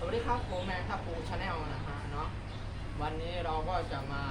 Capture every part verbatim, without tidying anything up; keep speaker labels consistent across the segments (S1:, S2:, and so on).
S1: วัสดีครับผมแมงทับปูชาแนลนะฮะเนาะวันนี้เราก็จะมา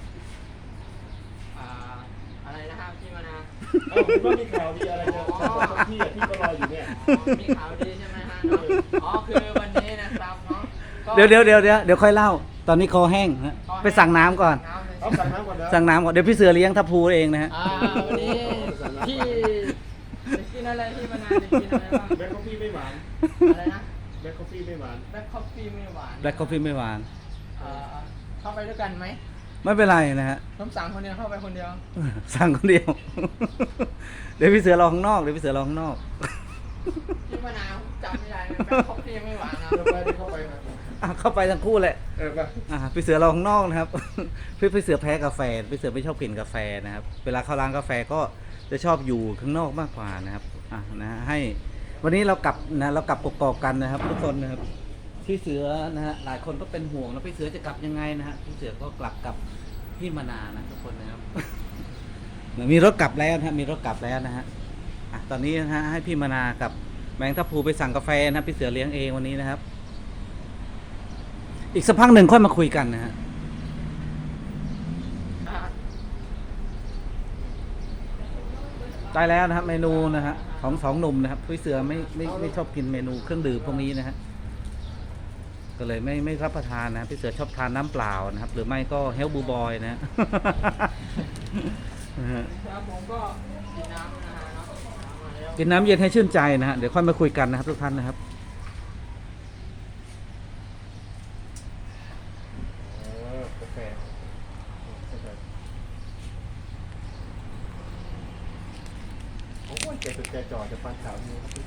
S1: อ่าอะไรนะฮะพี่มานา
S2: เอ้าคุณว่ามีข่าวดีอะไรจะจะที่อ่ะที่ก็รออยู่เนี่ย
S1: อ๋อมีข่าวดีใช่ไหมฮะเนาะอ๋อคือวันนี้นะครับเนาะก็
S3: เดี๋ยวเดี๋ยวเดี๋ยวเดี๋ยวเดี๋ยวค่อยเล่า ตอนนี้คอแห้งฮะไปสั่งน้ำก่อน
S1: น้ำเลย
S2: เอาสั่งน้ำก่อนนะ
S3: สั่งน้ำก่อนเดี๋ยวพี่เสือเลี้ยงทัพพูเองนะฮะ
S1: อ่าวันนี้พี่จะกินอะไรพี่มานาจะกินอะไรบ้าง
S2: แบล็คคอฟฟี่ไม่หวาน
S1: อะไรนะ
S2: แบล็คคอฟฟี่ไม่หวาน
S1: แบล็คคอฟฟี่ไม่หวาน
S3: แบล็คกาแฟไม่หวาน
S1: เอ่อเข้าไปด้วยกันไหม
S3: ไม่เป็นไรนะฮะ
S1: ผมสั่งคนเดียวเข้าไปคนเดียว
S3: สั่งคนเดียว เดี๋ยวพี่เสือรอข้างนอกเดี๋ยวพี่เสือรอข้างนอก
S1: พี่มะนาวจำไม่ได้เลยแบล็คคอฟฟี่ไม่หวานนะ
S2: เดี๋ยวไปเดี๋ยวเข้าไปครับ
S3: อ่ะเข้าไปทั้งคู่แหละ
S2: เออไป
S3: อ่ะพี่เสือรอข้างนอกนะครับ พี่พี่เสือแพ้กาแฟพี่เสือไม่ชอบกินกาแฟนะครับ เวลาเข้าร้านกาแฟก็จะชอบอยู่ข้างนอกมากกว่านะครับอ่ะนะฮะให้วันนี้เรากลับนะเรากลับกกอกกันนะครับ ทุกคนนะครับพี่เสือนะฮะหลายคนก็เป็นห่วงแล้วพี่เสือจะกลับยังไงนะฮะพี่เสือก็กลับกับพี่มนานะทุกคนนะครับ มีรถกลับแล้วนะฮะมีรถกลับแล้วนะฮะอ่ะตอนนี้นะฮะให้พี่มนากับแมงทับพลูไปสั่งกาแฟนะครับพี่เสือเลี้ยงเองวันนี้นะครับ อีกสักพักหนึ่งค่อยมาคุยกันนะฮะได้แล้วนะครับเมนูนะฮะของสองหนุ่มนะครับพี่เสือไม่ไม่ไม่ชอบกินเมนูเครื่องดื่มพวกนี้นะฮะก็เลยไม่ไม่รับประทานนะพี่เสือชอบทานน้ำเปล่านะครับ หรือไม่ก็เฮลบูบอยนะฮะ
S1: ครับผมก็กินน้ำนะฮะเนาะน้ำมาแล้ว
S3: กินน้ำเย็นให้ชื่นใจนะฮะเดี๋ยวค่อยมาคุยกันนะครับทุกท่านนะครับ
S2: เออกาแฟกาแฟโอ้ยแกจดแกจ่อจะฟันข่าวนี้ครับพี่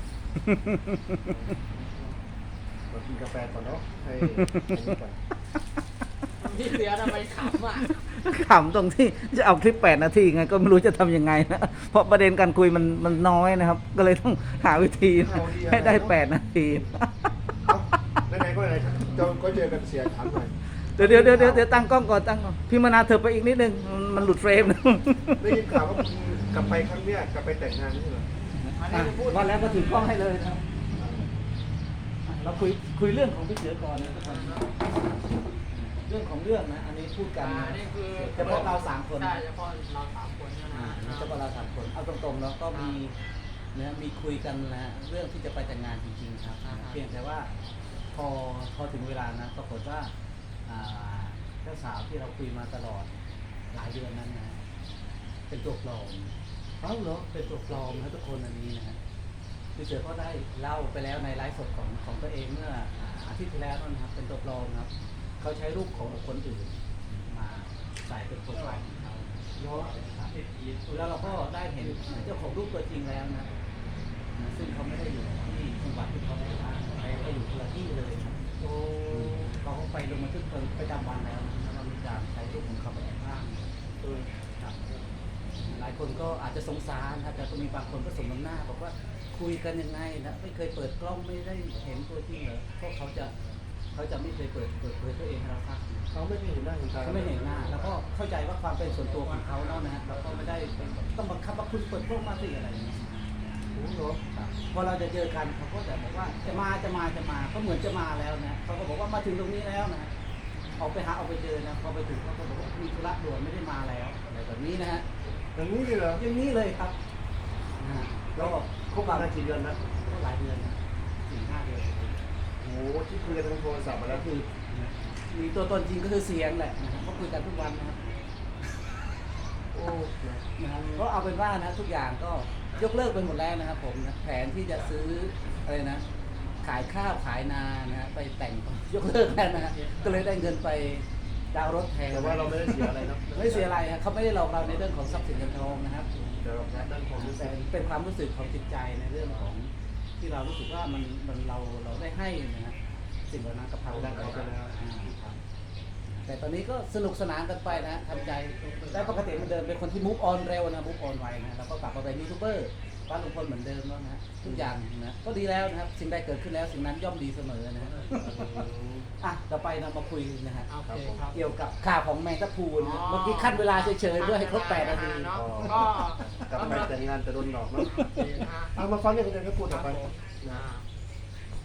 S2: มากินกาแฟก่อนเนาะให้ให้นี่ก่อน
S1: พี่เสือทำไมขำอ่ะ
S3: ขำตรงที่จะเอาคลิปแปดนาทีไงก็ไม่รู้จะทำยังไงนะเพราะประเด็นการคุยมันมันน้อยนะครับ ก็เลยต้องหาวิธีให้ได้แปดนาที
S2: เอ้าไหนๆก็ไหนๆก็ก็เจอกันเสียถามหน่อย
S3: เดี๋ยวเดี๋ยวเดี๋ยวเดี๋ยวเดี๋ยวตั้งกล้องก่อนตั้งกล้องพี่มนาเธอไปอีกนิดนึงมันมันหลุดเฟรมนะ
S2: ได้ยินข่าวว่าคุณกลับไปครั้งเนี้ยกลับไปแต่งงานไม่ใช่เหรอ
S1: อันนี้จะพูด
S3: วันแล้วก็ถือกล้องให้เลยครับอ่ะเราคุยคุยเรื่องของพี่เสือก่อนนะทุกคนเรื่องของเรื่องนะอันนี้พูดกัน
S1: อ่า
S3: นะ
S1: นี่คือ
S3: เฉพาะเราสามคน
S1: ใช่เฉพาะเราสามคนนะ
S3: อ่า
S1: ฮะ
S3: เฉพาะเราสามคนเอาตรงๆแล้วก็มีนะมีคุยกันนะเรื่องที่จะไปแต่งงานจริงๆครับเพียงแต่ว่าพอพอถึงเวลานะปรากฏว่าอ่าเจ้าสาวที่เราคุยมาตลอดหลายเดือนนั้นนะเป็นตัวปลอม
S2: เอ้าเหรอ
S3: เป็นตัวปลอมนะทุกคนอันนี้นะฮะพี่เสือก็ได้เล่าไปแล้วในไลฟ์สดของของตัวเองเมื่ออ่าอาทิตย์ที่แล้วนั่นนะครับเป็นตัวปลอมนะครับเขาใช้รูปของบุคคลอื่นมาใส่เป็นโปรไฟล์ของเขา
S2: เนาะ
S3: ครับแล้วเราก็ได้เห็นเจ้าของรูปตัวจริงแล้วนะนะซึ่งเขาไม่ได้อยู่ที่จังหวัดที่เขาไปบ้านเขาไปอยู่คนละที่เลยนะ
S2: โอ้
S3: เขาก็ไปลงบันทึกประจำวันแล้วนะแล้วเรามีการใช้รูปของเขาไปแอบอ้าง
S2: เออ
S3: ครับหลายคนก็อาจจะสงสารนะแต่ก็มีบางคนก็สมน้ำหน้าบอกว่าคุยกันยังไงนะไม่เคยเปิดกล้องไม่ได้เห็นตัวจริงเหรอเพราะเขาจะเขาจะไม่เคยเปิดเปิดเผยตัวเองให้เราฟัง
S2: เขาไม่ได้เห็นหน้าเห็นตา
S3: เขาไม่เห็นหน้า แล้วก็เข้าใจว่าความเป็นส่วนตัวของเขาเนาะนะฮะเราก็ไม่ได้เป็นต้องบังคับว่าคุณเปิดกล้องมาสิอะไรอย่างเงี้ย
S2: โอ้โหเนาะ
S3: ครับพอเราจะเจอกันเขาก็จะบอกว่าจะมาจะมาจะมาเขาเหมือนจะมาแล้วนะเขาก็บอกว่ามาถึงตรงนี้แล้วนะออกไปหาออกไปเจอนะพอไปถึงเขาก็บอกว่ามีธุระด่วนไม่ได้มาแล้วอะไรแบบนี้นะฮะ
S2: อย่างนี้เลยเหรอ
S3: อย่างนี้เลยครับนะฮะ
S2: แล้วคบกันมากี่เดือนนะ
S3: ก็หลายเดือนนะสี่ห้าเดือน
S2: โอ้โหที่คุยกันทางโทรศัพท์มาแล้ว
S3: ก็คือมีตัวตนจริงก็คือเสียงแหละนะครับก็คุยกันทุกวันนะครับ
S2: โอ้นะ
S3: นะครับก็เอาเป็นว่านะทุกอย่างก็ยกเลิกไปหมดแล้วนะครับผมนะแผนที่จะซื้ออะไรนะ ขายข้าวขายนานะฮะไปแต่งยกเลิกแล้วนะฮะก็เลยได้เงินไปดาวน์รถแทน
S2: แต่ว่าเราไม่ได้เสียอะไรเนาะ
S3: ไม่เสียอะไรนะเขาไม่ได้หลอกเราในเรื่องของทรัพย์สินเงินทองนะครับ
S2: แต่เราแค่ด้านความรู้สึ
S3: แต่
S2: ก
S3: เป็นความรู้สึกของจิตใจในเรื่องของที่เรารู้สึกว่ามันมันเราเราได้ให้นะฮะสิ่งเหล่านั้นกับเขาได้ไปแล้วอ่าครับแต่ตอนนี้ก็สนุกสนานกันไปนะทำใจและปกติมันเดิมเป็นคนที่มุกออนเร็วนะมุกออนไวนะแล้วก็กลับมาเป็นยูทูบเบอร์บ้านลุงพลเหมือนเดิมแล้วนะฮะทุกอย่างนะก็ดีแล้วนะครับสิ่งใดเกิดขึ้นแล้วสิ่งนั้นย่อมดีเสมอนะฮะอ่ะต่อไปเรามาคุยนะฮะ
S1: โอเคครับ
S3: เกี่ยวกับข่าวของแมงตะพูนะฮะเมื่อกี้ขั้นเวลาเฉยๆเพื่อให้ครบแปดนาที
S1: เนาะก็
S2: กลับไปแต่งงานแต่โดนหลอกเนาะ
S1: โอเคนะฮะ
S2: เอามาฟังเรื่องกันก็พูด
S1: ค
S2: ต่
S1: รั
S2: อบ ไป
S1: ผมอ่าอ่า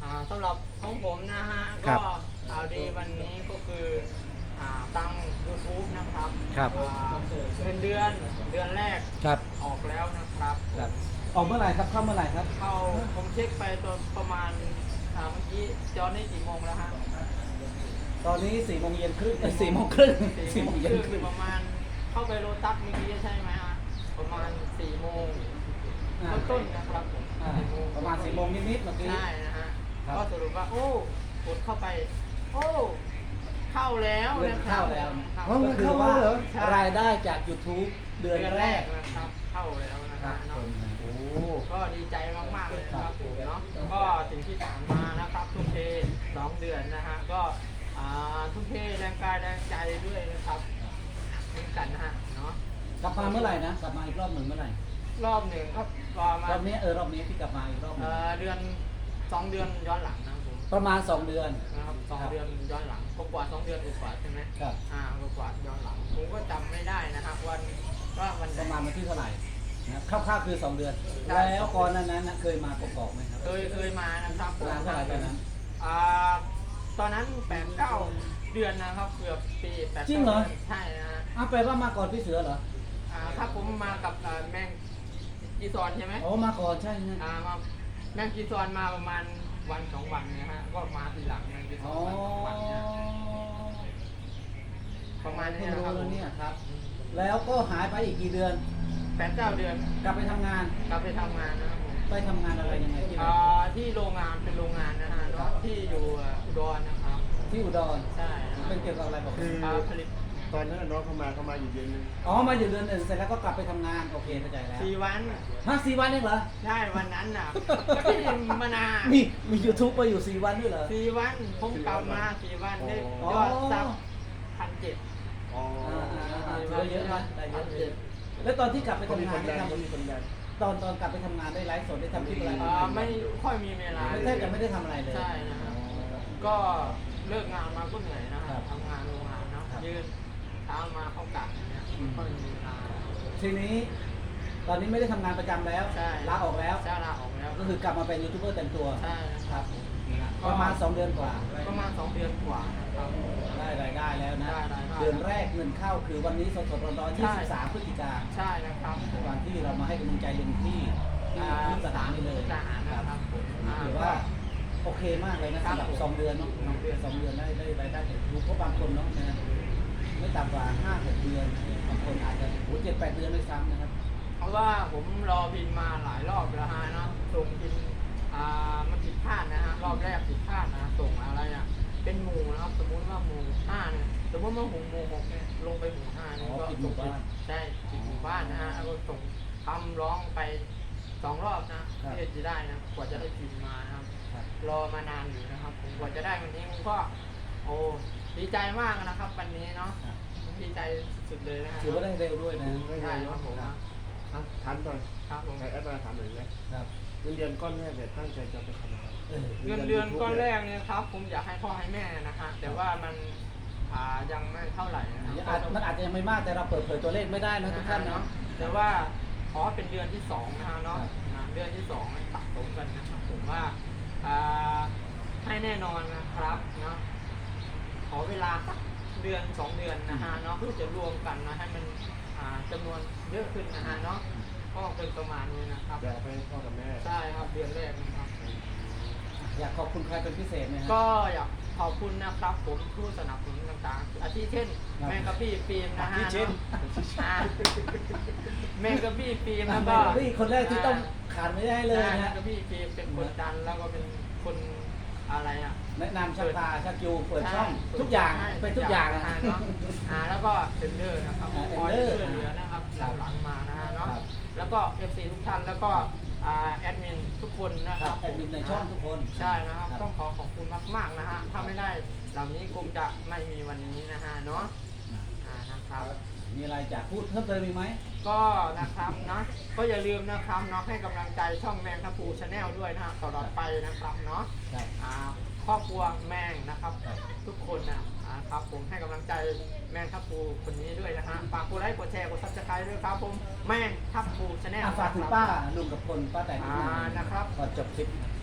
S1: อ่าสำหรับของผมนะฮะ
S3: ครั
S1: ก็
S3: บ
S1: ข่าวดีวันนี้ก็คืออ่าตัง YouTube นะครับ
S3: ครับ
S1: อ่าเงินเดือนเดือนแรก
S3: ครับ
S1: ออกแล้วนะครับ
S3: ครับออกเมื่อไหร่ครับเข้าเมื่อไหร่ครับ
S1: เข้าผมเช็คไปตอนประมาณอ่าเมื่อกี้จอนี่กี่โมงแล้วฮะ
S3: ตอนนี้สี่โมงเย็นครึ่งสี่โมงครึ่งสี่โมงเย็นค
S1: คื
S3: รึ่
S1: อง ประมาณเข้าไปโลตัสเมื่อกี้ใช่ไหมฮะประมาณสี่โมง
S3: อ่า
S1: ต้นๆนะครับผม
S3: อ่า
S1: สี่โมง
S3: ประมาณสี่โมงนิดๆเมื่อกี้
S1: ใช่นะฮะ
S3: ครับ
S1: ก็สรุปว่าโอ้กดเข้าไป โอ้เข้าแล้ว
S3: เงิน
S1: นะครับ
S3: เข้าแล้ว
S1: ครับ
S2: อ๋อ
S3: ก็คือว่า
S2: เงินเข้าแล้วเหรอ
S1: ใช่
S3: รายได้จาก YouTube เดือนแรก
S1: นะครับเข้าแล้วนะ
S3: ค
S1: ค
S3: รั
S1: รั
S3: บบ
S1: เนาะ
S2: โอ้
S1: ก็ดีใจมากๆเลยนะครับผมเนาะก็สิ่งที่ผ่านมานะครับทุ่มเทสองเดือนนะฮะก็อ่าทุ่มเทแรงกายแรงใจด้วยนะครับเหมือนกันนะฮะเนาะ
S3: กลับมาเมื่อไหร่นะกลับมาอีกรอบหนึ่งเมื่อไหร่
S1: รอบหนึ่งก็ประมาร
S3: อบนี้เออรอบนี้ที่กลับมาอีกรอบหนึ่
S1: เอ่
S3: ง
S1: อเดือนสองเดือนย้อนหลังนะครับผม
S3: ประมาณสองเดือน
S1: นะครับสอง
S3: ครับ
S1: เดือนย้อนหลังกว่าๆสองเดือนกว่าๆใช่ไหม
S3: ครับ
S1: อ่ากว่าๆย้อนหลังผมก็จำไม่ได้นะครับวันว่าวันไห
S3: ประมาณ
S1: น
S3: วันที่เท่าไหร่นะครับคร่าวๆคือสองเดือน
S1: ใช่
S3: แล้วก่อนนั้นนะเคยมากอกๆไหมครับ
S1: เคยเคยมานะครับ
S3: นานเท่าไหร่ตอนนั้น
S1: อ่าตอนนั้นแปดเก้าเดือนนะครับเกือบปีแปด
S3: จริงเหรอ
S1: ใช่นะฮะ
S3: อ้าวแปลว่ามาก่อนพี่เสือเหรอ
S1: อ่าครับผมมากับอ่าแมงกีซอนใช่ไหม
S3: โอ้มาก่อนใช่ไหม
S1: อ่ามาแมงกีซอนมาประมาณวันสองวันนะฮะก็มาทีหลังแมงกีซอ
S3: อ๋
S1: น
S3: อ
S1: วันสองวันเนี่ยประมาณ
S3: เพิ่
S1: นี้
S3: ง
S1: นะ
S3: รู้
S1: ครับ
S3: แล้วเนี่ยครับ แล้วก็หายไปอีกกี่เดือน
S1: แปดเก้าเดือน
S3: กลับไปทำงาน
S1: กลับไปทำงานนะครับผม
S3: ไปทำงานอะไรยังไงที่ไหน
S1: อ่าที่โรงงานเป็นโรงงานนะฮะเนาะที่อยู่อ่าอุดรนะครับ
S3: ที่อุดร
S1: ใช่นะ
S3: เป็นเกี่ยวกับอะไรบอก
S2: คือ
S1: อ่าผลิต
S2: ตอนนั้นน้องเข้ามาเข้ามาอยู่เดือนนึง
S3: อ๋อมาอยู่เดือนหนึ่งเสร็จแล้วก็กลับไปทำงานโอเคเข้าใจแล้ว
S1: สี่วัน
S3: ฮะสี่วันเองเหรอ
S1: ใช่วันนั้นน่ะก็ที่มานาน
S3: มีมียูทูบมาอยู่สี่วันด้วยเหรอ
S1: สี่วันผมกลับมาสี่วันได้
S3: อ๋อ
S1: ยอดซับพันเจ็ด
S2: อ๋อ
S3: อ่าอ่าอ่าถือว่าเยอะนะได้เยอะเลยแล้วตอนที่กลับไป
S2: ก็มี
S3: ทำ
S2: ค
S3: งาน
S2: น
S3: ได้
S2: ดัน
S3: ท
S2: ก็มีคนดัน
S3: ำตอนตอนกลับไปทำงานได้ไลฟ์สดได้ทำคลิปอะไร
S1: อ่าไม่ค่อยมีเวลา
S3: ไม่แทบจะไม่ได้ทำอะไรเลย
S1: ใช่นะครับก็เลิกงานมาก็เหนื่อยนะค
S3: ครั
S1: รับบ ทำงานโรงงานเนาะ
S3: ครับ
S1: ยืนเช้ามาเข้ากะอย่างเนี่ยไม่ค่อยมีเวลา
S3: ทีนี้ ตอนนี้ไม่ได้ทำงานประจำแล้ว
S1: ใช่
S3: ลาออกแล้ว
S1: ใช่ลาออกแล้ว
S3: ก็คือกลับมาเป็นยูทูบเบอร์เต็มตัว
S1: ใช่นะครับ
S3: ประมาณสองเดือนกว่า
S1: ประมาณสองเดือนกว่านะครับ
S3: ได้รายได้แล้วนะ
S1: ได้รายได้
S3: เดือนแรกเงินเข้าคือวันนี้สดๆร้อนๆ
S1: ใช่
S3: ยี่สิบสามพฤศจิกา
S1: ใช่นะครับ
S3: วันที่เรามาให้กำลังใจลุงที่ที่
S1: อ่า
S3: ที่สถานีเลย
S1: ทหารนะครับผมอ่า
S3: ถือว่าโอเคมากเลยนะครับ สำหรับสองเดือนเนาะ
S1: สองเดือน
S3: สองเดือนได้ได้รายได้จากยูทูบเพราะบางคนเนาะนะไม่ต่ำกว่าห้าหกเดือนบางคนอาจจะโอ้เจ็ดแปดเดือนด้วยซ้ำนะครับ
S1: เพราะว่าผมรอบินมาหลายรอบแล้วฮะเนาะส่งบินอ่ามันผิดพลาดนะฮะรอบแรกผิดพลาดนะส่งอะไรอ่ะเป็นหมู่นะครับสมมุติว่าหมู่ห้าเนี่ยสมมติว่าหมู่หมู่หกเนี่ยลงไปหมู่ห้าเนี่ย
S3: อ๋อ
S1: ก็
S3: ผิดหมู่บ้าน
S1: ใช่ผิดหมู่บ้านนะฮะแล้วก็ส่งคำร้องไปสองรอบนะครับ เพื่อจะได้นะกว่าจะได้บินมานะครับ
S3: ครับ
S1: รอมานานอยู่นะครับผมกว่าจะได้วันนี้ผมก็โอ้ดีใจมากนะครับวันนี้เนาะ
S3: ครับ
S1: ดีใจสุดเลยนะฮะ
S3: ถือว่าได้เร็วด้วยนะ
S1: ใช่ครับผม
S3: ครับ
S2: อ่ะถามก่อน
S1: ครับผม
S2: ใครแอดมาถามหน่อยนะครับ เงินเดือนก้อนแรกเนี่ยตั้งใจจะไปทำอะไร
S3: เออ
S1: เงินเดือนก้อนแรกเนี่ยครับ ผมอยากให้พ่อให้แม่นะฮะแต่ว่ามันอ่ายังไม่เท่าไหร่นะค
S3: อา
S1: รั
S3: จมันอาจจะยังไม่มากแต่เราเปิดเผยตัวเลขไม่ได้นะทุกท่านเนาะ
S1: แต่ว่าขอเป็นเดือนที่สองนะฮะเนาะ
S3: ครับ
S1: อ่าเดือนที่สองสะสมกันนะครับผมว่าอ่าให้แน่นอนนะครับเนาะขอเวลาสักเดือนสองเดือนนะฮะเนาะเพื่อจะรวมกันนะให้มันอ่าจำนวนเยอะขึ้นนะฮะเนาะก็เป็นประมาณนี้นะครับ
S2: อยากไปให้พ่อกับแม่
S1: ใช่ครับเดือนแรกนะครับ
S3: อยากขอบคุณใครเป็นพิเศษไหมฮะ
S1: ก็อยากขอบคุณนะครับผมผู้สนับสนุนต่างๆอาทิเช่น
S3: ครับ
S1: แมงกะพี่ฟิล์มนะฮะ
S3: อาทิเช่น
S1: อ่าแมงกะพี่ฟิล์ม
S3: อ่ะ
S1: แล้ว
S3: แม่
S1: ก็
S3: พี่คนแรกที่ต้องขาดไม่ได้เลย
S1: ใช่แม
S3: นะ
S1: งกะพี่ฟิล์มเป็นคนดันแล้วก็เป็นคนอะไรอ่ะ
S3: แนะนำชักพาชักจูเปิด
S1: ใ
S3: ช่องทุกอย่าง
S1: ใช่
S3: เป็นทุกอย่าง
S1: นะ
S3: นะ
S1: ฮะเนาะอ่าแล้วก็เทรนเดอร์นะครับ
S3: อ่า
S1: คอย
S3: เทรนเดอร์
S1: ช่วยเหลือนะครับหลังหลังมานะฮะเนาะ
S3: ครับ
S1: แล้วก็เอฟซีทุกท่านแล้วก็อ่าแอดมินทุกคนนะ
S3: ค
S1: ค
S3: รั
S1: รั
S3: บบ แอดมินในช่องทุกคน
S1: ใช่นะครับ ต้องขอขอบคุณมากๆนะฮะ ถ้าไม่ได้เหล่านี้คงจะไม่มีวันนี้นะฮะเนาะอ่านะครับ
S3: มีอะไรจะพูดเพิ่มเติมอีกไหม
S1: ก็นะครับนะก็อย่าลืมนะครับเนาะให้กำลังใจช่องแมงทัพูชาแนลด้วยนะฮะตลอดไปนะครับเนาะ
S3: ครับ
S1: อ่าครอบครัวแมงนะครับ
S3: ครับ
S1: ทุกคนนะอ่าครับผมให้กำลังใจแมงทัพูคนนี้ด้วยนะฮะฝากกดไลค์กดแชร์กดซับสไครต์ด้วยครับผมแมงทัพูชาแนล
S3: อ่ะฝากถึงป้าลุงกับคนป้าแต่ง
S1: อ่านะครับ
S3: ก่อนจบคลิป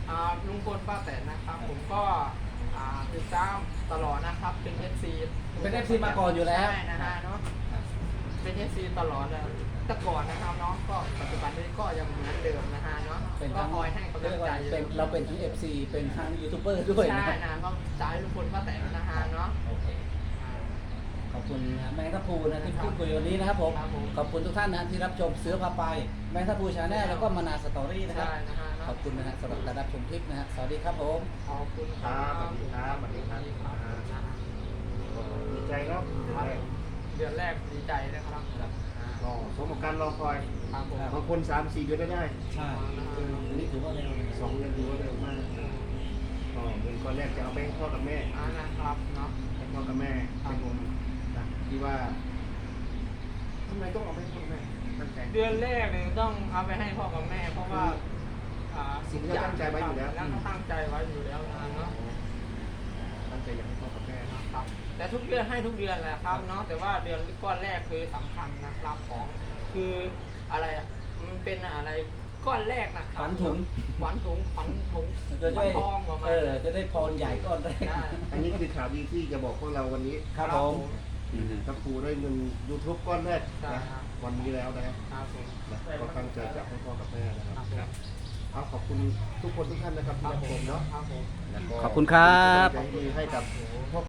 S1: อ่าลุงพลป้าแตนนะครับผมก็อ่าติดตามตลอดนะครับเป็น เอฟ ซี
S3: เป็น เอฟ ซี มาก่อนอยู่แล้ว
S1: ใช่นะฮะเนาะเป็น เอฟ ซี ตลอดเลยแต่ก่อนนะครับเนาะก็ปัจจุบันนี้ก็ยังเหมือนเดิมนะฮะเนาะ
S3: เป็น
S1: ก็
S3: ทั้ง
S1: คอยให้กำลังใจ
S3: เป็นเราเป็นทั้ง เอฟ ซี เป็นทั้งยูทูบเบอร์ด้วยนะ
S1: ใช่นะก็สายลุงพลป้าแตนนะฮะเนาะ
S3: โอเคขอบคุณนะแมงทัพพูนะที่พูดคุยวันนี้นะครับผม
S1: ครับผม
S3: ขอบคุณทุกท่านนะที่รับชมเสือพาไปแมงทัพพูชาแนลแล้วก็มานาสตอรี่นะครับ
S1: ใช่นะฮะ
S3: ข
S1: เนาะ
S3: อบคุณนะฮะสำหรับการรับชมคลิปนะฮะสวัสดีครับผม
S1: ขอบคุณค
S2: ค
S1: รั
S2: รับบ สวัสดีครับสวัสดีครับ
S1: นะฮะ
S2: ก็ดีใจเนาะ
S1: เดือนแรกดีใจนะครับ
S2: ก็สมกับการรอคอย
S1: ครับผม
S2: บางคนสามสี่เดือนก็ได้
S3: ใช่อันนี้ถือว่าเร็วเลย
S2: สองเดือนถือว่าเร็วมากก็เงินก้อนแรกจะเอาไปให้พ่อกับแม่
S1: อ่านะครับเนาะ
S2: ให้พ่อกับแม่เป็นคนนะที่ว่าทำไมต้องเอาไปให้พ่อกับแม่ตั้งใจ
S1: เดือนแรกเนี่ยต้องเอาไปให้พ่อกับแม่ เพราะว่าอ่า
S2: สิ่งที่เราตั้งใจไว้อยู่แล้ว
S1: แล้วก็ตั้งใจไว้อยู่แล้วนะเนาะ
S2: ตั้งใจอยากให้พ่อกับแม่นะ
S1: ครับ แต่ทุกเดือนให้ทุกเดือนแหละครับเนาะแต่ว่าเดือนก้อนแรกคือสำคัญนะครับของคืออะไรอ่ะมันเป็นอะไรก้อนแรกนะครับ
S3: ขวัญถุง
S1: ขวัญถุงขวัญถุง
S3: จะ
S1: ขวั
S3: ได้
S1: ญทองประมาณ
S3: เออจะได้พรใหญ่ก้อนแรก
S1: ได้
S2: อันนี้คือข่าวดีที่จะบอกพวกเราวันนี้
S3: ครับผม
S2: ถ้าครูได้เงิน YouTube ก้อนแรก
S1: ใช่
S2: นะครับ วันนี้แล้วนะ
S1: ครับผม
S2: นะก็ตั้งใจจะให้พ่อกับแม่นะค
S1: ค
S2: รั
S1: รั
S2: บบ
S1: ผม
S2: เอาขอบคุณทุกคนทุกท่านนะครับที่รับชมเนาะ
S1: ครับผม
S2: แล้วก็
S3: ขอบคุณครับ
S2: เป็นกำลังใจดีให้กับพ่อ